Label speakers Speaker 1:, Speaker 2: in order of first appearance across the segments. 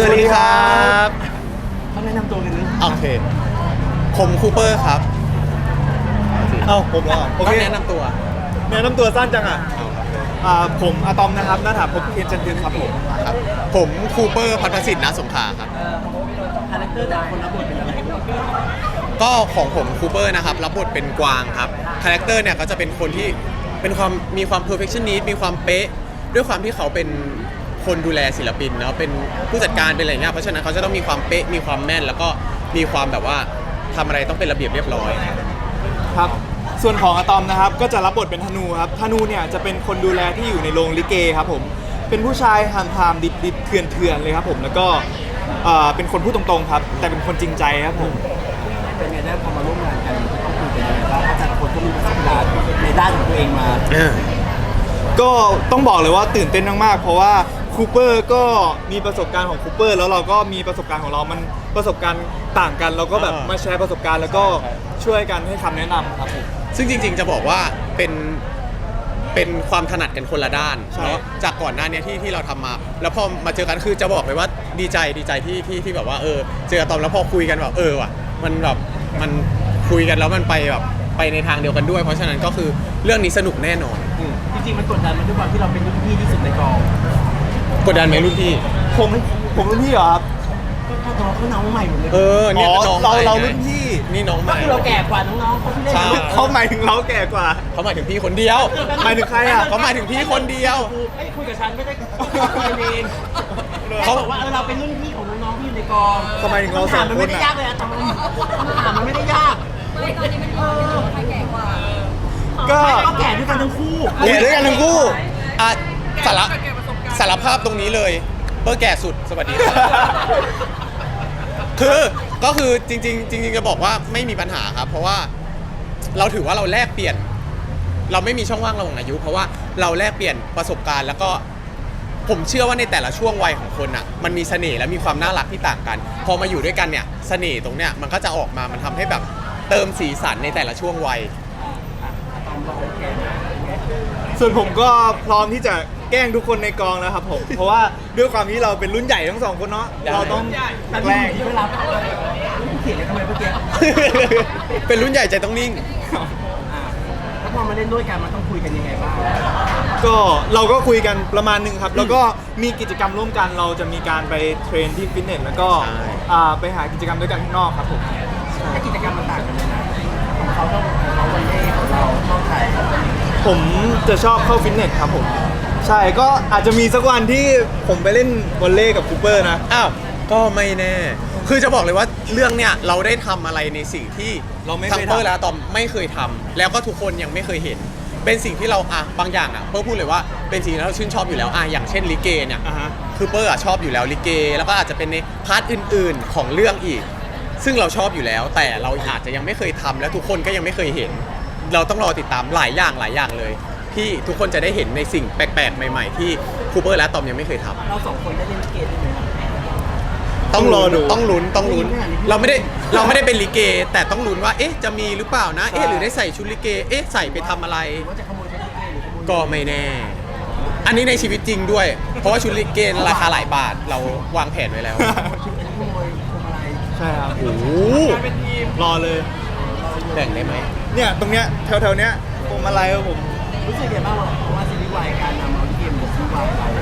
Speaker 1: วัสดีครับ
Speaker 2: เขาแนะนำตัวกันนะ
Speaker 1: โอเคผมคูเปอร์ครับ
Speaker 3: เอ้าผมเหรอโอ
Speaker 1: ต้อ
Speaker 3: เค
Speaker 1: งแนะนำตัว
Speaker 3: แนะนำตัวสั้นจังอ่ะ
Speaker 1: เอาครับ
Speaker 3: ผมอะตอมนะครับหน้าถาพบเคนจันทึกครับผม
Speaker 1: ครับผมคูเปอร์พัฒสิทธิ์นะสงขลาครับ
Speaker 2: คาแรคเตอร์แต่ละคนรับบทเป็นอะไร
Speaker 1: ก็ของผมคูเปอร์นะครับรับบทเป็นกวางครับคาแรคเตอร์เนี่ยก็จะเป็นคนที่เป็นความมีความ perfectionist มีความเป๊ะด้วยความที่เขาเป็นคนดูแลศิลปินเนาะเป็นผู้จัดการเป็นอะไรเนี่ยเพราะฉะนั้นเขาจะต้องมีความเป๊ะมีความแม่นแล้วก็มีความแบบว่าทำอะไรต้องเป็นระเบียบเรียบร้อย
Speaker 3: ครับส่วนของอะตอมนะครับก็จะรับบทเป็นธนูครับธนูเนี่ยจะเป็นคนดูแลที่อยู่ในโรงลิเกครับผมเป็นผู้ชายหามๆดิบๆเถื่อนๆเลยครับผมแล้วก็เป็นคนพูดตรงๆครับแต่เป็นคนจริงใจครับผม
Speaker 2: เป็นไงได้พอมาร่วมงานกันต้องคุยกันยังไงบ้างเพราะแต่ละคนก็มีประสบการณ์ในด้านของตัวเองมา
Speaker 3: ก็ต้องบอกเลยว่าตื่นเต้นมากๆเพราะว่าคูเปอร์ก็มีประสบการณ์ของคูเปอร์แล้วเราก็มีประสบการณ์ของเรามันประสบการณ์ต่างกันเราก็แบบมาแชร์ประสบการณ์แล้วก็ช่วยกันให้คำแนะนำครับผม
Speaker 1: ซึ่งจริงๆจะบอกว่าเป็นความถนัดกันคนละด้าน
Speaker 3: ใช่
Speaker 1: เนาะจากก่อนหน้านี้ที่เราทำมา แล้วพอมาเจอกันคือจะบอกเลยว่าดีใจที่แบบว่าเจอตอมแล้วพอคุยกันแบบว่ะมันแบบมันคุยกันแล้วมันไปแบบไปในทางเดียวกันด้วย เพราะฉะนั้นก็คือเรื่องนี้สนุกแน่นอน
Speaker 2: จริงๆมันกดดันมันด้วยความที่เราเป็นรุ่นพี่ที่สุดในกอง
Speaker 1: กดดันไหมรุ่นพี่
Speaker 3: ผมรุ่นพี่เหรอครับ
Speaker 2: ก็ถ้าตัวเขาน้องใหม่หมดเลย
Speaker 1: เนี่ย
Speaker 3: อ๋อ
Speaker 1: น้องใหม่
Speaker 3: เรา
Speaker 1: ไง
Speaker 3: รุ่นพี่
Speaker 1: นี่น้องให
Speaker 2: ก็
Speaker 1: ม่
Speaker 2: คือเราแก่กว่าน้องๆเขาที่เล่น
Speaker 1: ใช่
Speaker 3: เขาหมายถึงเราแก่กว่า
Speaker 1: เขาหมายถึงพี่คนเดียว
Speaker 3: หมายถึงใครอ่ะ
Speaker 1: เขาหมายถึงพี่คนเดียว
Speaker 2: ไม่คุยกับฉันไม่ได้คุยกันเองเขาบอกว่าเราเป็นรุ่นพี่ของน้องๆที่อยู่ในกอง
Speaker 3: ทำไมถึงเราสอง
Speaker 2: มัน
Speaker 3: ค
Speaker 2: ไม่
Speaker 3: น
Speaker 2: ได้
Speaker 3: อ่ะ
Speaker 2: ยากเลยอะตอนคำถามมันไม่ได้ยาก
Speaker 4: ไม่ตอนนี้มันใครแก่กว่า
Speaker 3: ก็
Speaker 2: ก็แก่ด้วยกันทั้งคู่
Speaker 3: แก่ด้วยกันทั้งคู่
Speaker 1: อ่ะสารภาพตรงนี้เลยเบอร์แก่สุดสวัสดีครับ ก็คือจริงๆจะบอกว่าไม่มีปัญหาครับ เพราะว่าเราถือว่าเราแลกเปลี่ยน เราไม่มีช่องว่างระหว่างอายุ เพราะว่าเราแลกเปลี่ยนประสบการณ์ แล้วก็ผมเชื่อว่าในแต่ละช่วงวัยของคนอ่ะมันมีเสน่ห์และมีความน่ารักที่ต่างกัน พอมาอยู่ด้วยกันเนี่ยเสน่ห์ตรงเนี้ยมันก็จะออกมามันทำให้แบบเติมสีสันในแต่ละช่วงวัย
Speaker 3: ส่วนผมก็พร้อมที่จะแกล้งทุกคนในกองนะครับผม เพราะว่าด้วยความที่เราเป็นรุ่นใหญ่ทั้งสองคนเนาะ
Speaker 1: ได้
Speaker 3: เราต้อง
Speaker 2: แต่
Speaker 3: แกล้ง
Speaker 2: ที่เวลาเขียนกันทำไมเมื่อกี้
Speaker 1: เป็นรุ่นใหญ่ใจต้องนิ่ง
Speaker 2: แล้วพอมาเล่นด้วยกันมันต้องคุยกันยังไงบ้าง
Speaker 3: ก็เราก็คุยกันประมาณหนึ่งครับ แล้วก็มีกิจกรรมร่วมกันเราจะมีการไปเทรนที่ฟิตเนสแล้วก็
Speaker 1: ใช่
Speaker 3: ไปหากิจกรรมด้วยกันข้างนอกครับผม
Speaker 2: ถ้ากิจกรรมมันต่างกันเลยนะของเขาต้องเขาวันเล่ของเราต้องถ่าย
Speaker 3: ผมจะชอบเข้าฟิตเนสครับผมใช่ก็อาจจะมีสักวันที่ผมไปเล่นวอลเลย์กับคูเปอร์นะ
Speaker 1: อ้าวก็ไม่แน่ คือจะบอกเลยว่าเรื่องเนี้ยเราได้ทำอะไรในสิ่งที่
Speaker 3: เราไม่
Speaker 1: ทั้
Speaker 3: เค
Speaker 1: ง
Speaker 3: ย
Speaker 1: เปอร์
Speaker 3: ทำ
Speaker 1: และอะตอมไม่เคยทำแล้วก็ทุกคนยังไม่เคยเห็น เป็นสิ่งที่เราบางอย่างเปอร์พูดเลยว่าเป็นสิ่งที่เราชื่นชอบอยู่แล้วอย่างเช่นลิเกเนี่ย
Speaker 3: อ่าฮะ
Speaker 1: คือเปอร์ชอบอยู่แล้วลิเก แล้วก็อาจจะเป็นในพาร์ทอื่นๆของเรื่องอีก ซึ่งเราชอบอยู่แล้ว แต่เราอาจจะยังไม่เคยทำและทุกคนก็ยังไม่เคยเห็น เราต้องรอติดตามหลายอย่างเลย ที่ทุกคนจะได้เห็นในสิ่งแปลกๆใหม่ๆที่คูเปอร์และอะตอมยังไม่เคยทำ
Speaker 2: เราสองคนได้เล่นลิเกด้วยไหม
Speaker 3: ต้องรอดู
Speaker 1: ต้องลุ้นเราไม่ได้เป็นลิเก แต่ต้องลุ้นว่าเอ๊ะจะมีหรือเปล่านะเอ๊ะหรือได้ใส่ชุดลิเกเอ๊ะใส่ไปทำอะไร
Speaker 2: ว่าจะขโมยชุดลิเกหรือขโมย
Speaker 1: ก็ไม่แน่ อันนี้ในชีวิตจริงด้วย เพราะว่าชุดลิเกราคาหลายบาทเราวางแผนไว้แล้ว
Speaker 2: ชุดอันนี้ขโมยพวงมาลัย
Speaker 3: ใช่ครับ
Speaker 1: โอ้โห
Speaker 3: รอเลย
Speaker 1: แบ่งได้ไหม
Speaker 3: เนี่ยตรงเนี้ยแถวๆเนี้ยผมอะไรครับผม
Speaker 2: รู้สึกยังไงบ้างเพราะว่าซีรีส์วายการนำเอาลิเกมาซีรีส์วายเรา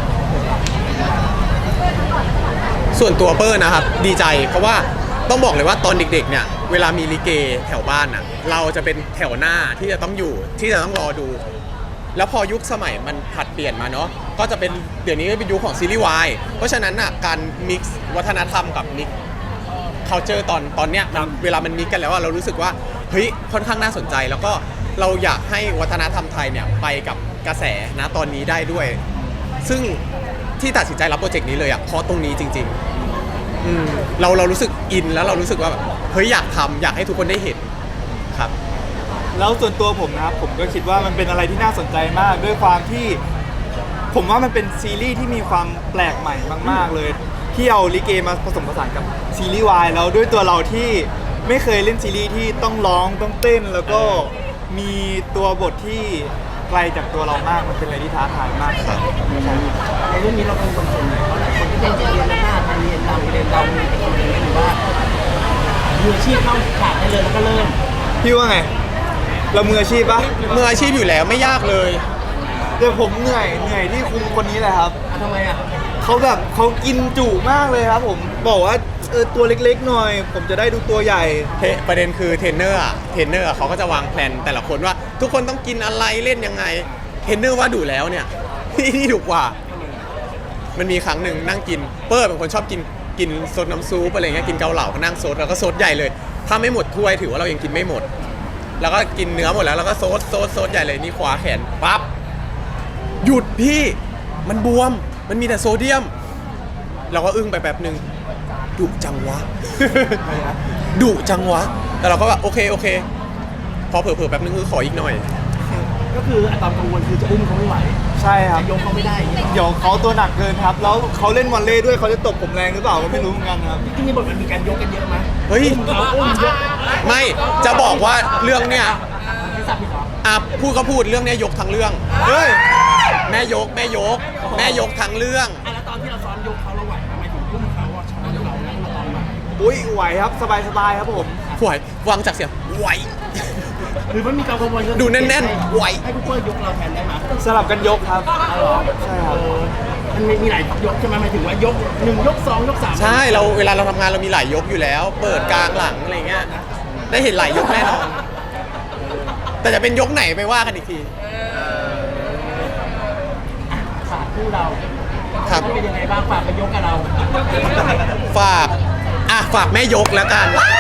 Speaker 1: ส่วนตัวเปอร์นะครับดีใจเพราะว่าต้องบอกเลยว่าตอนเด็กๆเนี่ยเวลามีลิเกแถวบ้านน่ะเราจะเป็นแถวหน้าที่จะต้องอยู่ที่จะต้องรอดู แล้วพอยุคสมัยมันผลัดเปลี่ยนมาเนาะก็จะเป็นเดี๋ยวนี้ก็เป็นยุคของซีรีส์วายเพราะฉะนั้นน่ะการมิกซ์วัฒนธรรมกับมิกซ์ culture ตอนเนี้ยเวลามันมิกซ์กันแล้วอะเรารู้สึกว่าเฮ้ยค่อนข้างน่าสนใจ แล้วก็เราอยากให้วัฒนธรรมไทยเนี่ยไปกับกระแสนะตอนนี้ได้ด้วย ซึ่งที่ตัดสินใจรับโปรเจกต์นี้เลยอะเพราะตรงนี้จริงๆเรารู้สึกอินแล้วเรารู้สึกว่าแบบเฮ้ยอยากทำอยากให้ทุกคนได้เห็นครับ
Speaker 3: แล้วส่วนตัวผมนะครับผมก็คิดว่ามันเป็นอะไรที่น่าสนใจมากด้วยความที่ผมว่ามันเป็นซีรีส์ที่มีความแปลกใหม่มากๆเลยที่เอาลิเกมาผสมผสานกับซีรีส์วายแล้วด้วยตัวเราที่ไม่เคยเล่นซีรีส์ที่ต้องร้องต้องเต้น แล้วก็มีตัวบทที่ไกลจากตัวเรามากมันเป็นอะไรที่ท้าทายมากครับ
Speaker 2: ในเรื่องนี้เราเป็นคนส่วนไหนเพราะหลายคนที่เล่นจะเรียนหน้าแทนเรียนเรามีหรือว่ามืออาชีพเข้าฉากได้เลยแล้วก็เริ่ม
Speaker 3: พี่ว่าไง เรามืออาชีพปะ
Speaker 1: มืออาชีพอยู่แล้วไม่ยากเลย
Speaker 3: แต่ผมเหนื่อยที่คุมคนนี้แหละครับ
Speaker 2: ทำไมอ่ะ
Speaker 3: เขากินจุมากเลยครับผมบอกว่าตัวเล็กๆหน่อย ผมจะได้ดูตัวใหญ่
Speaker 1: ประเด็นคือเทรนเนอร์เขาก็จะวางแผนแต่ละคนว่า ทุกคนต้องกินอะไรเล่นยังไงเทรนเนอร์ว่าดูแล้วเนี่ย นี่ถูกกว่า มันมีครั้งหนึ่งนั่งกินเปิ้ลเป็นคนชอบกินซดน้ำซุปอะไรเงี้ยกินเกาเหลาก็นั่งซดแล้วก็ซดใหญ่เลย ถ้าไม่หมดถ้วยถือว่าเรายังกินไม่หมด แล้วก็กินเนื้อหมดแล้วก็ซดใหญ่เลยนี่คว้าแขนปั๊บหยุดพี่มันบวมมันมีแต่โซเดียม เราก็อึ้งไปแป๊บนึงดุจังวะ ดุจังวะแต่เราก็แบบโอเคพอเผลอๆแป๊บนึงคือขออีกหน่อย
Speaker 2: ก็คืออะตอมกังวลคือจะอุ้มเขาไม่ไหว
Speaker 3: ใช่ครับ
Speaker 2: จะยกเขาไม่ได้อย่างเงี้ย
Speaker 3: เดี๋ยวเขาตัวหนักเกินครับ แล้วเขาเล่นวอลเลย์ด้วยเขาจะตบผมแรงหรือเปล่าก็ไม่รู้เหมือนกันครับ
Speaker 2: ที่นี่บทมันมีการยกกันเยอะไหม
Speaker 1: เฮ้ย
Speaker 2: เขาอุ้มยก
Speaker 1: ไม่จะบอกว่าเรื่องเนี้ย
Speaker 2: ไม่ทราบพี่หรอ
Speaker 1: พูดก็พูดเรื่องเนี้ยยกทั้งเรื่อง
Speaker 3: เฮ้ย
Speaker 1: แม่ยกทั้งเรื่อง
Speaker 2: แล้วตอนที่เราซ้อมยกเขาเราไหวไหมหมายถึงอุ้มเขาอะช้อนเราแล้วเราตอนไหว
Speaker 3: อุ้ยไหวครับสบายครับผม
Speaker 1: ไหววางจากเสียงไหว
Speaker 2: หรือมันมีการกังวล
Speaker 1: ดูแน่นๆไหว
Speaker 2: ให้ผู้เปิ้ลยกเราแทนได้ไหม
Speaker 3: สลับกันยกครับ
Speaker 2: เอาเหรอ
Speaker 3: ใช่ครับ
Speaker 2: มันมีหลายยกใช่ไหมหมายถึงว่ายก1ยก2ยก3
Speaker 1: ใช่เราเวลาเราทำงานเรามีหลายยกอยู่แล้ว เปิดกลางหลังอะไรเงี้ยได้เห็นหลายยกแน่นอนแต่จะเป็นยกไหนไปว่ากันอีกที
Speaker 2: ฝากคู่เรา
Speaker 1: ครับ
Speaker 2: เป็นยังไงบ้างฝากไปยกกับเรา
Speaker 1: ฝากแม่ยกแล้วกัน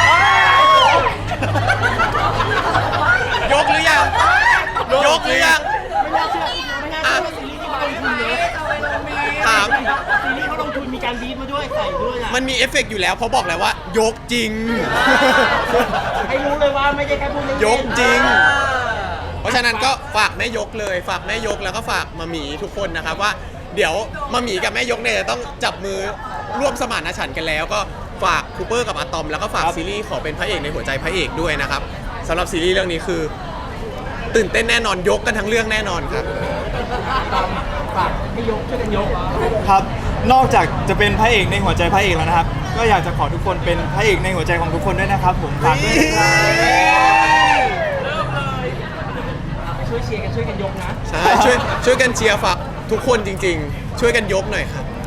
Speaker 1: ยกหรือยังยกหรือยัง
Speaker 2: ไม่น่าเชื่อไม่น่าเชื่อว่าซีรีส์ที่เขาลงทุนเยอะ
Speaker 1: ถาม
Speaker 2: ซีรีส์เขาลงทุนมีการบีบมาด้วยใส่ด้วยอ่ะ
Speaker 1: มันมีเอฟเฟกต์อยู่แล้วเพราะบอกแล้วว่ายกจริง
Speaker 2: ให้รู้เลยว่าไม่ใช่แค่พูดเล่นๆ
Speaker 1: ยกจริง เพราะฉะนั้นก็ฝากแม่ยกเลยฝากแม่ยกแล้วก็ฝากมาหมีทุกคนนะครับว่าเดี๋ยวมาหมีกับแม่ยกเนี่ยจะต้องจับมือร่วมสมานฉันท์กันแล้ว ก็ฝากคูเปอร์กับอะตอมแล้วก็ฝากซีรีส์ขอเป็นพระเอกในหัวใจพระเอกด้วยนะครับสำหรับซีรีส์เรื่องนี้คือ ตื่นเต้นแน่นอนยกกันทั้งเรื่องแน่นอนครับ
Speaker 2: ฝากให้ยกช่วยกันยก
Speaker 3: ครับ นอกจากจะเป็นพระเอกในหัวใจพระเอกแล้วนะครับ ก็อยากจะขอทุกคนเป็นพระเอกในหัวใจของทุกคนด้วยนะครับ ผมฝากด้วยนะครับ
Speaker 2: ช่วยเชียร์กันช่วยกันยกนะ
Speaker 1: ใช่ช่วยกันเชียร์ฝากทุกคนจริง ๆ ช่วยกันยกหน่อยครับ